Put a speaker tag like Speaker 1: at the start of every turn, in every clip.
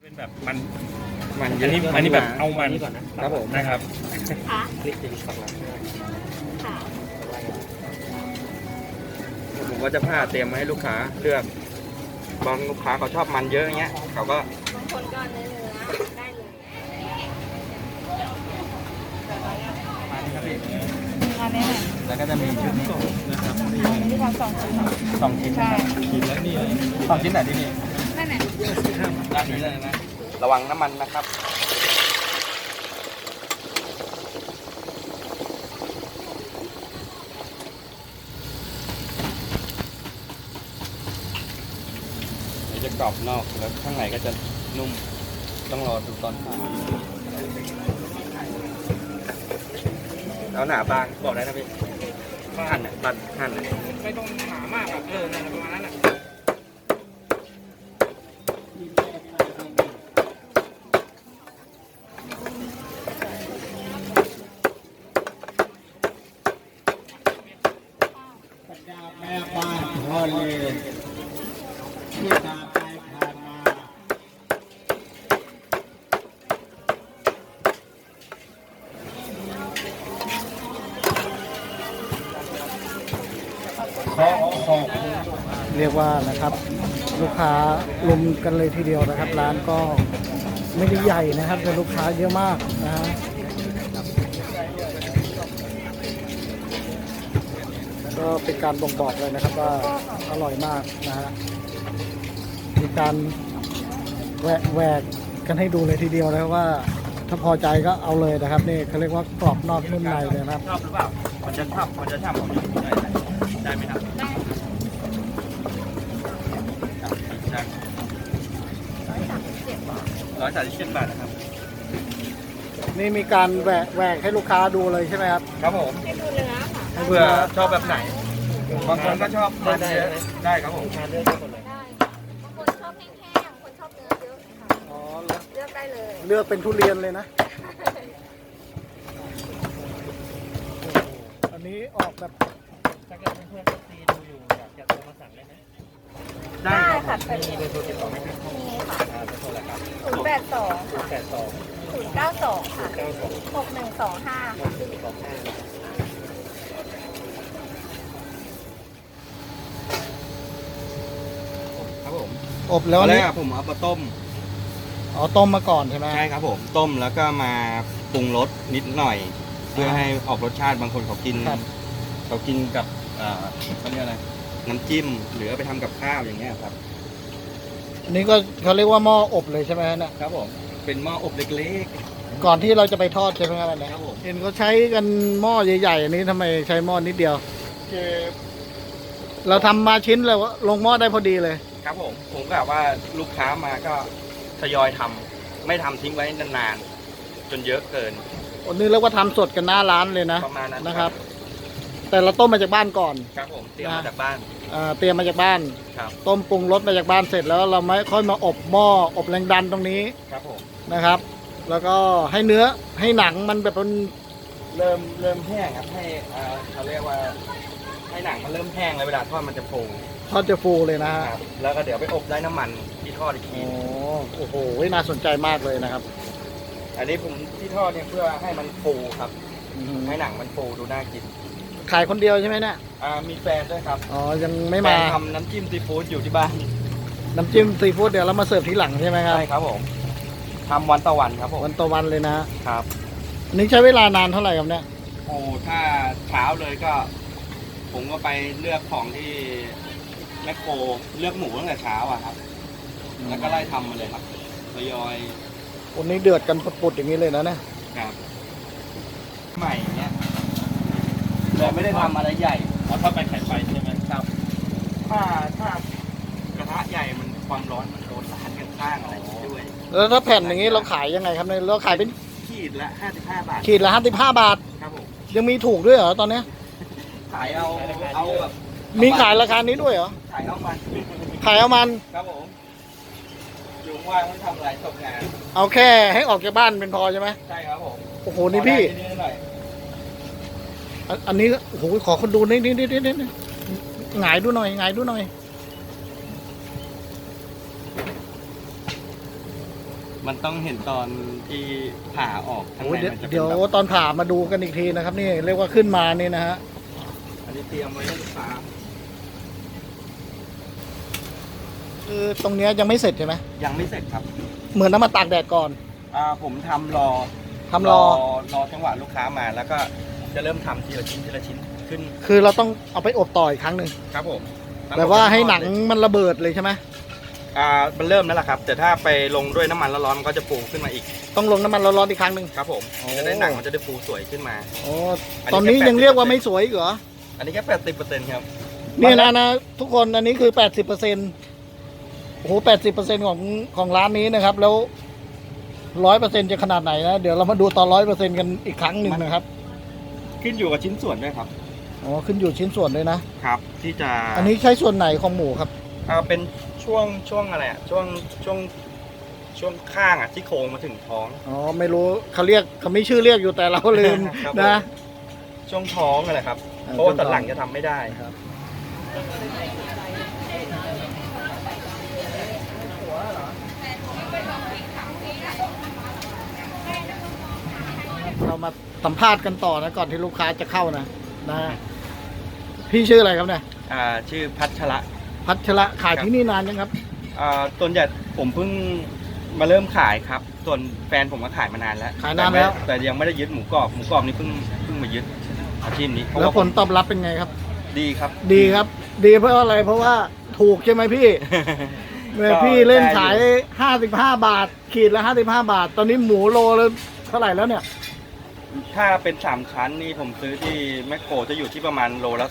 Speaker 1: เป็นแบบมัน
Speaker 2: เย
Speaker 1: อันนี้
Speaker 2: อะ
Speaker 1: อันนี้แบบเอามัน
Speaker 2: ก่อนนะครับผม
Speaker 1: นะครับ
Speaker 3: ค่ะ
Speaker 2: คลิกจะมี2 หลัง
Speaker 3: ค่ะ
Speaker 2: ผมก็จะผ้าเตรียมมาให้ลูกค้าเลือกบางลูกค้าเขาชอบมันเยอะอย่างเงี้ยเขาก็
Speaker 3: บางคนก็เนื้อได้เลย
Speaker 4: อันนี้เนี่ย
Speaker 2: แล้วก็จะมีชุดนี้นะครับ
Speaker 4: อันนี้ที่ทำ2 ชิ้น
Speaker 2: 2 ชิ้น
Speaker 4: ใช่
Speaker 1: กินแล้วนี่
Speaker 2: 2 ชิ้นไหนที่นี่
Speaker 4: นั่นแหละ
Speaker 2: ด้านนี้เลยนะระวังน้ำมันนะครับเดี๋ยวจะกรอบนอกแล้วข้างในก็จะนุ่มต้องรอดูตอนผ่าแล้วหนาบางบอกได้นะพี่หั่นน่ะหั่นน่ะ
Speaker 1: ไม่ต้องหนามากอ่ะนั่นประมาณนั้นอ่ะ
Speaker 5: แม่บ้านพ่อเลยที่ตามไปผ่านมาขอขอบคุณ
Speaker 6: เรียกว่านะครับลูกค้าลุมกันเลยทีเดียวนะครับ ร้านก็ไม่ได้ใหญ่นะครับแต่ลูกค้าเยอะมากนะฮะก็เป็นการบ่งบอกเลยนะครับว่าอร่อยมากนะฮะมีการแหวกกันให้ดูเลยทีเดียวนะครับว่าถ้าพอใจก็เอาเลยนะครับนี่เขาเรียกว่ากรอบนอกนุ่มในเลยนะครับ
Speaker 1: ชอบหรือเปล่ามันจะช่ำผมได้ไหมครับได้137 บาทนะครับ
Speaker 6: นี่มีการแหวกให้ลูกค้าดูเลยใช่ไหมครับ
Speaker 2: ครับผม
Speaker 3: ให้ดูเนื้อค่ะ
Speaker 2: เพื่อชอบแบบไหนบางคนก็ชอบมันเยอะได้ครับผม
Speaker 3: ได้บางคนชอบแห้งๆบางคนชอบเนื้อเยอะค่ะ
Speaker 6: อ๋อ
Speaker 3: เลือกได้เลย
Speaker 6: เลือกเป็นทุเรียนเลยนะ อันนี้ออกแบบ
Speaker 1: ถ้าเกิดเพื่อนๆตีดูอยู่อยากจะโทรมาสั่งได้ไหม
Speaker 3: ได้ค่ะเป็น
Speaker 1: มีเบอร์โทรติดต่อไหมครับ
Speaker 3: มีค่ะ
Speaker 1: เบอร์โทรอะไรครับ
Speaker 3: 082ค่ะ
Speaker 1: 82
Speaker 3: 092ค่ะ
Speaker 1: 92
Speaker 3: 6125ค่ะ
Speaker 2: ครับผม
Speaker 6: อบแล้ว
Speaker 2: ตอนแร
Speaker 6: นี่
Speaker 2: กผมเอามาต้ม
Speaker 6: อ๋อต้มมาก่อนใช่ไหม
Speaker 2: ใช่ครับผมต้มแล้วก็มาปรุงรสนิดหน่อย เพื่อให้ออกรสชาติบางคนเขากิน
Speaker 6: ครับ
Speaker 2: เขากินกับเขาเรียกอะไรน้ำจิ้มหรือเอาไปทำกับข้าวอย่างเงี้ยครับ
Speaker 6: อันนี้ก็เขาเรียกว่าหม้ออบเลยใช่ไหมฮะเนี่ย
Speaker 2: ครับผมเป็นหม้ออบเล็ก
Speaker 6: ก่อนที่เราจะไปทอดใช่ไหมครับอันเนี้ย
Speaker 2: ครับผม
Speaker 6: เห็นเขาใช้กันหม้อใหญ่ๆอันนี้ทำไมใช้หม้อนิดเดียว
Speaker 2: ๆคือ
Speaker 6: เราทำมาชิ้นแล้วลงหม้อได้พอดีเลย
Speaker 2: ครับผมกะว่าลูกค้ามาก็ทยอยทำไม่ทำทิ้งไว้นานๆจนเยอะเกิน
Speaker 6: อันนี้เรียกว่าทำสดกันหน้าร้านเลยนะ
Speaker 2: ประมาณนั้น
Speaker 6: นะครับ แต่เราต้มมาจากบ้านก่อน
Speaker 2: ครับผมเตรียมมาจากบ้าน
Speaker 6: เตรียมมาจากบ้าน
Speaker 2: ครับ
Speaker 6: ต้มปรุงรสมาจากบ้านเสร็จแล้วเราไม่ค่อยมาอบหม้ออบแรงดันตรงนี้
Speaker 2: ครับผม
Speaker 6: นะครับ แล้วก็ให้เนื้อให้หนังมันแบบมัน
Speaker 2: เริ่มแห้งครับให้เขาเรียกว่าให้หนังมันเริ่มแห้งแล้วเวลาทอดมันจะฟู
Speaker 6: ทอดจะฟูเลยนะฮะ
Speaker 2: ครับแล้วก็เดี๋ยวไปอบได้น้ำมันที่ทอดอีกที
Speaker 6: โอ้โหน่าสนใจมากเลยนะครับ
Speaker 2: อันนี้ผมที่ทอดเนี่ยเพื่อให้มันฟูครับ ให้หนังมันฟูดูน่ากิน
Speaker 6: ขายคนเดียวใช่ไหมเนี่ย
Speaker 2: มีแฟนด้วยครับ
Speaker 6: อ๋อ ยังไม่
Speaker 2: แฟ
Speaker 6: มา
Speaker 2: นทำน้ำจิ้มซีฟู้ดอยู่ที่บ้าน
Speaker 6: น้ำจิ้มซีฟู้ดเดี๋ยวเรามาเสิร์ฟทีหลังใช่ไหมครับ
Speaker 2: ใช่ครับผมทำวันต่อวันครับผม
Speaker 6: วันต่อวันเลยนะ
Speaker 2: ครับ
Speaker 6: อันนี้ใช้เวลานานเท่าไหร่ครับเนี่ย
Speaker 2: โอ้ถ้าเช้าเลยก็ ผมก็ไปเลือกของที่แมคโครเลือกหมูตั้งแต่เช้าอะครับ แล้วก็ไล่ทำมาเลยครับทยอย
Speaker 6: วันนี้เดือดกันปุดๆอย่างนี้เลยนะเนี่ย
Speaker 2: ครับใหม่เนี้ยแต่ไม่ได้ทำอะไรใหญ่
Speaker 1: ถ้าไปไข่ไฟใช่ไหม
Speaker 2: ครับ ถ้ากระทะใหญ่มันความร้อนมันโดนสารข้างๆอะไรด้วย
Speaker 6: แล้วถ้าแผ่นอย่างนี้เราขายยังไงครับเนี่ยเราขายเป็น
Speaker 2: ขีดละ55 บาท
Speaker 6: ขีดละ55 บาท
Speaker 2: ครับผม
Speaker 6: ยังมีถูกด้วยเหรอตอนเนี้ย
Speaker 2: ขายเอาแบบ
Speaker 6: มีขายราคานี้ด้วยเหรอ
Speaker 2: ขายเอามัน
Speaker 6: ขายเอามัน
Speaker 2: ครับผมอยู่ว่างไม่ทำอะไรตกงาน
Speaker 6: เอาแค่ให้ออกจากบ้านเป็นพอใช่ไหม
Speaker 2: ใช่ครับผม
Speaker 6: โอ้โหนี่พี่
Speaker 2: ขอได้นิดๆหน่อย
Speaker 6: อันนี้โอ้โหขอคนดูนิดหงายดูหน่อยหงายดูหน่อย
Speaker 2: มันต้องเห็นตอนที่ผ่าออกข้าง
Speaker 6: โอ้
Speaker 2: ใน
Speaker 6: ย
Speaker 2: มันจะเป็น
Speaker 6: เดี๋ยว
Speaker 2: แบบ
Speaker 6: ตอนผ่ามาดูกันอีกทีนะครับนี่เรียกว่าขึ้นมานี่นะฮะ
Speaker 2: อันนี้เตรียมไว้ให้ลูกค้า
Speaker 6: คือตรงเนี้ยยังไม่เสร็จใช่ไหม
Speaker 2: ยังไม่เสร็จครับ
Speaker 6: เหมือนน้ำมาตากแดดก่อน
Speaker 2: ผมทำรอ
Speaker 6: ทำรอ
Speaker 2: จังหวะลูกค้ามาแล้วก็จะเริ่มทำทีละชิ้นทีละชิ้นขึ้น
Speaker 6: คือเราต้องเอาไปอบต่ออีกครั้งหนึ่ง
Speaker 2: ครับผม
Speaker 6: แบบว่าให้หนังมันระเบิดเลยใช่ไหม
Speaker 2: มันเริ่มแล้วล่ะครับ แต่ถ้าไปลงด้วยน้ำมันร้อนๆมันก็จะฟูขึ้นมาอีก
Speaker 6: ต้องลงน้ำมันร้อนๆอีกครั้งหนึ่ง
Speaker 2: ครับผม
Speaker 6: โอ้
Speaker 2: จะได้หนังมันจะได้ฟูสวยขึ้นมา
Speaker 6: โอ้
Speaker 2: อันนี้
Speaker 6: ตอนนี้
Speaker 2: แค่
Speaker 6: ยังเรียกว่า
Speaker 2: 80%
Speaker 6: ไม่สวยอีกเหรอ
Speaker 2: อันนี้แค่80%ครับ
Speaker 6: นี่นะทุกคนอันนี้คือ 80%โอ้โห 80%ของร้านนี้นะครับ แล้ว 100%จะขนาดไหนนะเดี๋ยวเรามาดูตอน 100%กันอีกครั้งหนึ่งนะครับ
Speaker 2: ขึ้นอยู่กับชิ้นส่วนด้วยครับ
Speaker 6: อ๋อขึ้นอยู่ชิ้นส่วนด้วยนะ
Speaker 2: ครับ ที่จะ
Speaker 6: อันนี้ใช้ส่วนไหนของหมูครับ
Speaker 2: เป็นช่วงอะไรอ่ะช่วงข้างอ่ะที่โครงมาถึงท้อง
Speaker 6: อ๋อไม่รู้เขาไม่ชื่อเรียกอยู่แต่เราลืม
Speaker 2: ครับ
Speaker 6: นะ
Speaker 2: ช่วงท้องอะไรครับ
Speaker 6: เออ
Speaker 2: เพราะว่า
Speaker 6: ช่วงท้
Speaker 2: ตั
Speaker 6: อง
Speaker 2: ดหลังจะทำไม่ได้
Speaker 6: เรามาสัมภาษณ์กันต่อนะก่อนที่ลูกค้าจะเข้านะพี่ชื่ออะไรครับเนี่ย
Speaker 2: ชื่อพัชระ
Speaker 6: พัชระขายที่นี่นานยังครับ
Speaker 2: ส่วนใหญ่ผมเพิ่งมาเริ่มขายครับ ส่วนแฟนผมก็ขายมานานแล้ว
Speaker 6: ขายนานแล้ว
Speaker 2: แต่ยังไม่ได้ยึดหมูกรอบนี่เพิ่งมายึดอาชีพนี้เพราะ
Speaker 6: แล้ว
Speaker 2: ว่า
Speaker 6: ผลตอบรับเป็นไงครับ
Speaker 2: ดีครับ
Speaker 6: ดีครับ ดีเพราะอะไรเพราะว่าถูกใช่ไหมพี่ เมื่อพี่เล่นขาย55 บาท ขีดละ55 บาท ตอนนี้หมูโลแล้วเท่าไหร่แล้วเนี่ย
Speaker 2: ถ้าเป็น3ชั้นนี่ผมซื้อที่แมคโครจะอยู่ที่ประมาณโลละ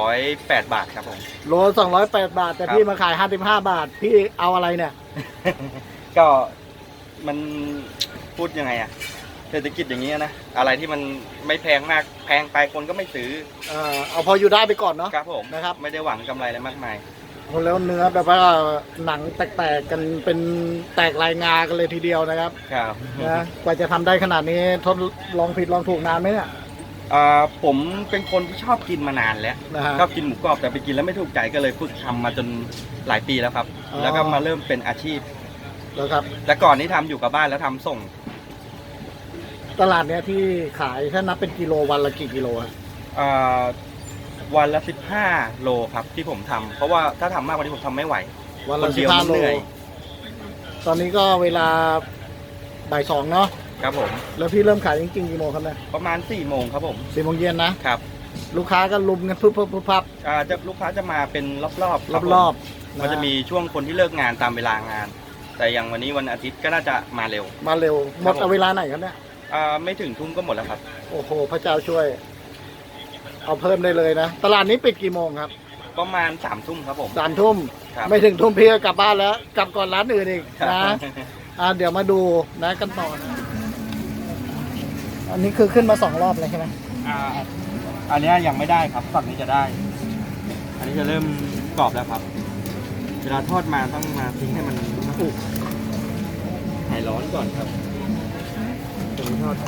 Speaker 2: 208 บาทครับผม
Speaker 6: โล208 บาท แต่
Speaker 2: ครับ
Speaker 6: พี่มาขาย55 บาท พี่เอาอะไรเนี่ย
Speaker 2: ก็มันพูดยังไงอะเศรษฐกิจอย่างนี้นะอะไรที่มันไม่แพงมากแพงไปคนก็ไม่ซื้อ
Speaker 6: เอาพออยู่ได้ไปก่อนเนาะ
Speaker 2: ครับผม
Speaker 6: นะครับ
Speaker 2: ไม่ได้หวังกำไรอะไรมากมาย
Speaker 6: แล้วเนื้อแบบว่าหนังแตกๆกันเป็นแตกลายงากันเลยทีเดียวนะครับ
Speaker 2: ครับ
Speaker 6: นะกว่าจะทำได้ขนาดนี้ทดลองผิดลองถูกนานไหมเนี่ย
Speaker 2: ผมเป็นคนที่ชอบกินมานานแล้ว
Speaker 6: นะฮะ
Speaker 2: ชอบกินหมูกรอบแต่ไปกินแล้วไม่ถูกใจก็เลยฝึกทำมาจนหลายปีแล้วครับ
Speaker 6: อ๋อ
Speaker 2: แล้วก็มาเริ่มเป็นอาชีพ
Speaker 6: แล้วครับ
Speaker 2: แต่ก่อนนี้ทำอยู่กับบ้านแล้วทำส่ง
Speaker 6: ตลาดเนี้ยที่ขายถ้านับเป็นกิโลวันละกี่กิโลอะ
Speaker 2: วันละ15 โลครับที่ผมทำเพราะว่าถ้าทำมากกว่านี้ผมทำไม่ไหว
Speaker 6: วันละ
Speaker 2: คนเดียว
Speaker 6: 15
Speaker 2: มัน
Speaker 6: โล
Speaker 2: เหนื่อย
Speaker 6: ตอนนี้ก็เวลาบ่าย 2เนาะ
Speaker 2: ครับผม
Speaker 6: แล้วพี่เริ่มขายจริงๆกี่โมงครับเนี่ย
Speaker 2: ประมาณ4 โมงครับผม
Speaker 6: 4 โมงเย็นนะครับ ลูกค้าก็ลุมกันปุ๊บปุ๊บปุ๊บปั๊บ
Speaker 2: จะลูกค้าจะมาเป็นรอบๆคบผม
Speaker 6: รอบๆ
Speaker 2: มันจะมีช่วงคนที่เลิกงานตามเวลางาน แต่อย่างวันนี้วันอาทิตย์ก็น่าจะมาเร็ว
Speaker 6: มาเร็วหมด
Speaker 2: ครับผม
Speaker 6: เอาเวลาไหนครับเนี่ย
Speaker 2: ไม่ถึงทุ่มก็หมดแล้วครับ
Speaker 6: โอ้โหพระเจ้าช่วย เอาเพิ่มได้เลยนะ ตลาดนี้ปิดกี่โมงครับ
Speaker 2: ประมาณ3 ทุ่มครับผม
Speaker 6: 3 ทุ่ม
Speaker 2: ครับ
Speaker 6: ไม่ถึงทุ่มพี่ก็กลับบ้านแล้ว กลับก่อนร้านอื่นอีก
Speaker 2: ครับ
Speaker 6: นะเดี๋ยวมาดูนะกันต่อนะอันนี้คือขึ้นมา2 รอบเลยใช่ไหม
Speaker 2: อันนี้ยังไม่ได้ครับฝั่งนี้จะได้ อันนี้จะเริ่มกรอบแล้วครับ เวลาทอดมาต้องมาทิ้งให้มันอุหายร้อนก่อนครับถึงทอด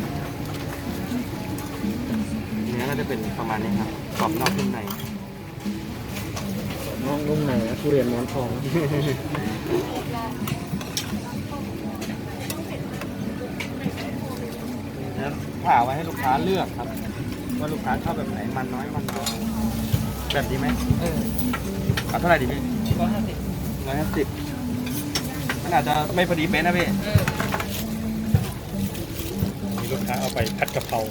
Speaker 2: เนื้อก็จะเป็นประมาณนี้ครับกรอบนอกนุ่มใน
Speaker 6: น้องนุ่มไหนทุเรียนหมอนทอง
Speaker 2: แล้วผ่าไว้ให้ลูกค้าเลือกครับ ว่าลูกค้าชอบแบบไหนมันน้อยมันน้อยแบบนี้ไหมเอาเท่าไหร่ดีพี่150มันอาจจะไม่พอดีเป๊ะนะพี่
Speaker 1: มีลูกค้าเอาไปผัดกะเพรา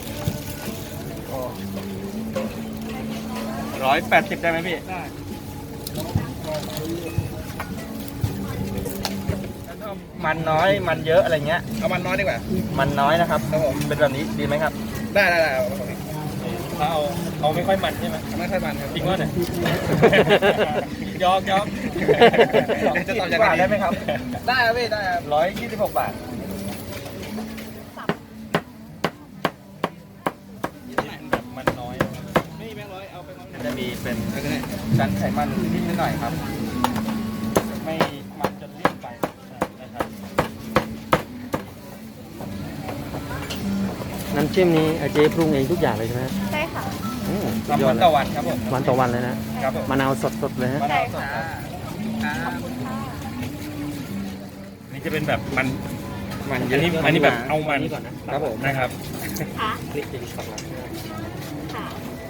Speaker 2: 180ได้ไหมพี่ได้มันน้อยมันเยอะอะไรเงี้ยเอามันน้อยดีกว่ามันน้อยนะครับครับผมเป็นแบบนี้ดีไหมครับได้
Speaker 1: ถ้าเอาไม่ค่อยมันใช่ไหม
Speaker 2: ไม่ค่อยมันครับ
Speaker 1: จริงว่าเนี่ย
Speaker 2: ยอกจะตอบยังไงได้ไหมครับได้ครับพี่ได้ครับ126 บาท
Speaker 1: แบบมันน้อยไม่แบงค์ร้อยเอาไปร้อย
Speaker 2: จะมีเป็นชั้นไขมันนิดหน่อยครับ
Speaker 1: ไม่มันจนเลี่ยนไปนะครับ
Speaker 7: น้ำจิ้มนี้เจ๊ปรุงเองทุกอย่างเลยใช่ไหม
Speaker 3: ใช่ค่ะ
Speaker 2: ทำวันต่อวันครับผม
Speaker 7: วันต่อวันเลยนะครับ
Speaker 2: ผม
Speaker 7: มะนาวสดๆเลยฮะ
Speaker 3: ใช่ค่ะ
Speaker 2: นี่
Speaker 1: จะเป็นแบบมัน
Speaker 2: มันเย
Speaker 1: อัน
Speaker 2: อะ
Speaker 1: นี้อันนี้แบบเอามัน
Speaker 2: ก่อนนะครับผม
Speaker 1: นะครับ
Speaker 3: ค่ะ
Speaker 2: คลิกจะสักหลัง
Speaker 3: ค่ะ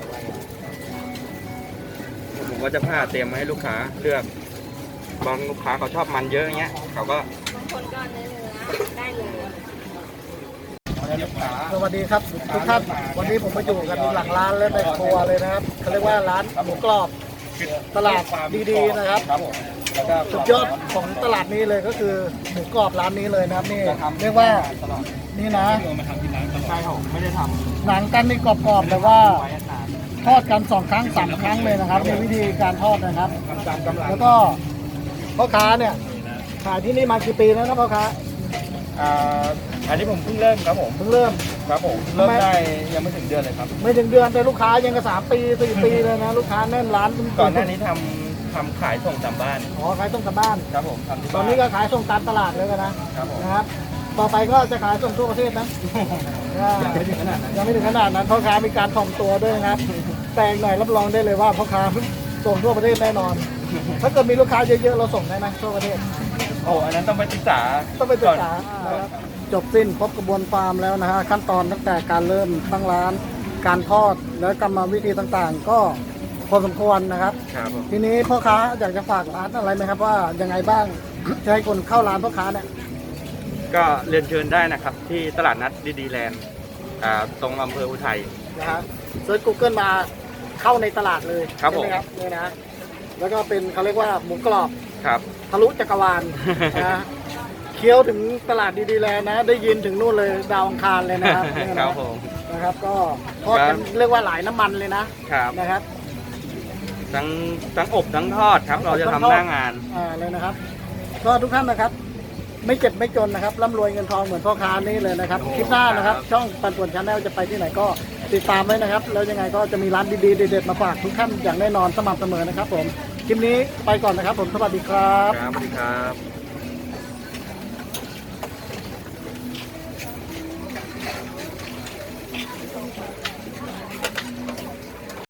Speaker 2: ผมก็จะผ้าเตรียมมาให้ลูกค้าเลือกบางลูกค้าเขาชอบมันเยอะอย่างเงี้ยเขาก็
Speaker 3: บางคนก็เนื้อได้เลย
Speaker 2: ลูกค้า
Speaker 6: สวัสดีครับทุกท่านวันนี้ผมมาอยู่กันหลังร้านและในครัวเลยนะครับเขาเรียกว่าร้านหมูกรอบตลาดดีๆนะครับ
Speaker 2: ครับผมแล้วก็
Speaker 6: สุดยอดของตลาดนี้เลยก็คือหมูกรอบร้านนี้เลยนะครับนี่เรียกว่า
Speaker 2: ตลอด
Speaker 6: นี่นะ
Speaker 2: ใช่ครับผมไม่ได้ทำ
Speaker 6: หนังกันนี่กรอบๆแต่ว่า
Speaker 2: ไว้นาน
Speaker 6: ทอดกัน2 ครั้ง 3 ครั้งเลยนะครับมีวิธีการทอดนะครับ
Speaker 2: ตามกำลัง
Speaker 6: แล้วก็พ่อค้าเนี่ยขายที่นี่มากี่ปีแล้วนะพ่อค้า
Speaker 2: อันนี้ผมเพิ่งเริ่มครับผม
Speaker 6: เพิ่งเริ่ม
Speaker 2: ครับผมเริ่มได้ยังไม่ถึงเดือนเลยครับ
Speaker 6: ไม่ถึงเดือนแต่ลูกค้ายังกับ3 ปี 4 ปีเลยนะลูกค้าแน่นร้าน
Speaker 2: ก่อนหน้านี้ทำขายส่งตามบ้าน
Speaker 6: อ๋อขายส่งกลับบ้าน
Speaker 2: ครับผมทำที่
Speaker 6: ตอ
Speaker 2: บ้าน น
Speaker 6: นี้ก็ขายส่งตามตลาดเลยกันนะครับ
Speaker 2: ผม
Speaker 6: นะครับ ต่อไปก็จะขายส่งทั่วประเทศนะ
Speaker 2: ยังไม่ถึงขนาดนั้น
Speaker 6: ยังไม่ถึงขนาดนั้นพ่อค้ามีการถ่อมตัวด้วยนะครับ แต่อีกหน่อยรับรองได้เลยว่าพ่อค้าส่งทั่วประเทศแน่นอน ถ้าเกิดมีลูกค้าเยอะๆเราส่งได้ไหมทั่วประเทศ
Speaker 2: โอ้อันนั้นต้องไปศึกษา
Speaker 6: ต้องไปศึกษานะครับจบสิ้นครบกระบวนฟาร์มแล้วนะฮะขั้นตอนตั้งแต่การเริ่มตั้งร้าน การทอดและกรรมวิธีต่างๆ ก็พอสมควรนะครับ
Speaker 2: ครับผม
Speaker 6: ทีนี้พ่อค้าอยากจะฝากร้านอะไรไหมครับว่ายังไงบ้าง จะให้คนเข้าร้านพ่อค้าเนี่ย
Speaker 2: ก็เรียนเชิญได้นะครับ ที่ตลาดนัดดีแลนด์ตรงอำเภออุทัย
Speaker 6: นะฮะเซิร์ช Google มาเข้าในตลาดเลย
Speaker 2: ครับ
Speaker 6: ใช่ไหม
Speaker 2: ผม
Speaker 6: ครับนี่นะแล้วก็เป็นเขาเรียกว่าหมูกรอบ
Speaker 2: ครับ
Speaker 6: ทะลุจักรวาล นะฮะเคี้ยวถึงตลาดดีๆแล้วนะ ได้ยินถึงนู่นเลยดาวอังคารเลยนะครับนี่
Speaker 2: ค
Speaker 6: นะ
Speaker 2: รับผม
Speaker 6: นะครับ ก็ทอดกันเรียกว่าหลายน้ำมันเลยนะครับ นะครับ
Speaker 2: ทั้งอบทั้งทอดครับ เราจะทำหน้างาน
Speaker 6: เลยนะครับ ก็ทุกท่านนะครับ ไม่เจ็บไม่จนนะครับร่ำรวยเงินทองเหมือนพ่อค้านี่เลยนะครับ
Speaker 2: โอ้
Speaker 6: คลิปหน้านะครับ
Speaker 2: ครับ
Speaker 6: ช่องปันป่วนชาแนลจะไปที่ไหนก็ติดตามไว้นะครับ แล้วยังไงก็จะมีร้านดีๆเด็ดๆมาฝากทุกท่านอย่างแน่นอนสม่ำเสมอนะครับ ผมคลิปนี้ไปก่อนนะครับ ผมสวัสดีครับ
Speaker 2: ครับสวัสดีครับ